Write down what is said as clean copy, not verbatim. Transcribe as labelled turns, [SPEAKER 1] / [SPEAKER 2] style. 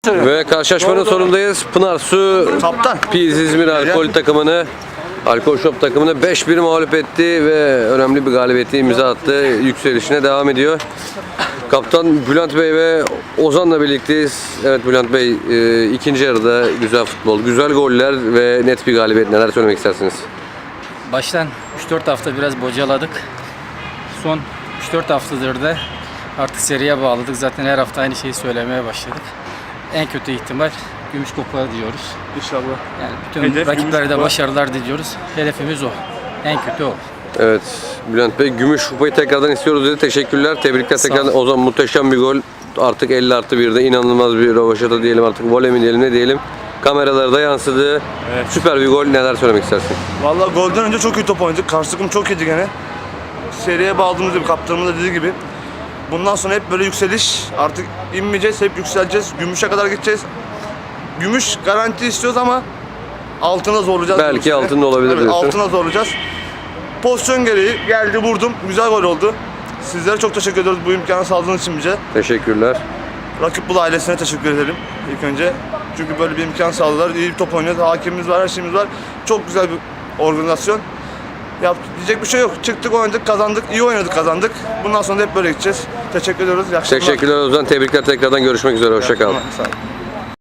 [SPEAKER 1] Ve karşılaşmanın sonundayız. Pınar Su
[SPEAKER 2] Kaptan.
[SPEAKER 1] Piz İzmir alkol takımını, alkol shop takımını 5-1 mağlup etti ve önemli bir galibiyeti imza attı. Yükselişine devam ediyor. Kaptan Bülent Bey ve Ozan'la birlikteyiz. Evet Bülent Bey, ikinci yarıda güzel futbol, güzel goller ve net bir galibiyet. Neler söylemek istersiniz?
[SPEAKER 3] Baştan 3-4 hafta biraz bocaladık. Son 3-4 haftadır da artık seriye bağladık. Zaten her hafta aynı şeyi söylemeye başladık. En kötü ihtimal gümüş kupa diyoruz.
[SPEAKER 2] İnşallah.
[SPEAKER 3] Yani bütün
[SPEAKER 2] Hedef
[SPEAKER 3] rakiplere
[SPEAKER 2] gümüş
[SPEAKER 3] de
[SPEAKER 2] kupa.
[SPEAKER 3] başarılar diliyoruz. Hedefimiz o. En kötü o.
[SPEAKER 1] Evet Bülent Bey, gümüş kupayı tekrardan istiyoruz dedi. Teşekkürler. Tebrikler
[SPEAKER 3] Sağ
[SPEAKER 1] tekrardan.
[SPEAKER 3] olun.
[SPEAKER 1] Ozan muhteşem bir gol. Artık 50+1'de inanılmaz bir rövaşata diyelim, artık voley mi diyelim, ne diyelim. Kameralarda yansıdı.
[SPEAKER 2] Evet.
[SPEAKER 1] Süper bir gol. Neler söylemek istersin?
[SPEAKER 2] Vallahi golden önce çok iyi top oynadık. Karşı takım çok iyiydi gene. Seriye bağladığımız gibi, kaptanımız da dediği gibi. Bundan sonra hep böyle yükseliş. Artık inmeyeceğiz, hep yükseleceğiz. Gümüşe kadar gideceğiz. Gümüş garanti istiyoruz ama altına zorlayacağız.
[SPEAKER 1] Belki
[SPEAKER 2] bu sene.
[SPEAKER 1] altında olabilir
[SPEAKER 2] Evet,
[SPEAKER 1] diyorsun.
[SPEAKER 2] altına zorlayacağız. Pozisyon gereği geldi, vurdum. Güzel gol oldu. Sizlere çok teşekkür ediyoruz bu imkanı sağladığınız için bize.
[SPEAKER 1] Teşekkürler.
[SPEAKER 2] Rakip Bulu ailesine teşekkür edelim ilk önce. Çünkü böyle bir imkan sağladılar. İyi bir top oynuyoruz. Hakemimiz var, her şeyimiz var. Çok güzel bir organizasyon. Diyecek bir şey yok. Çıktık, oynadık, kazandık. İyi oynadık, kazandık. Bundan sonra da hep böyle gideceğiz. Teşekkür ediyoruz. İyi akşamlar.
[SPEAKER 1] Teşekkürler Ozan. Tebrikler tekrardan. Görüşmek üzere. Hoşça kal.
[SPEAKER 2] Sağ olun.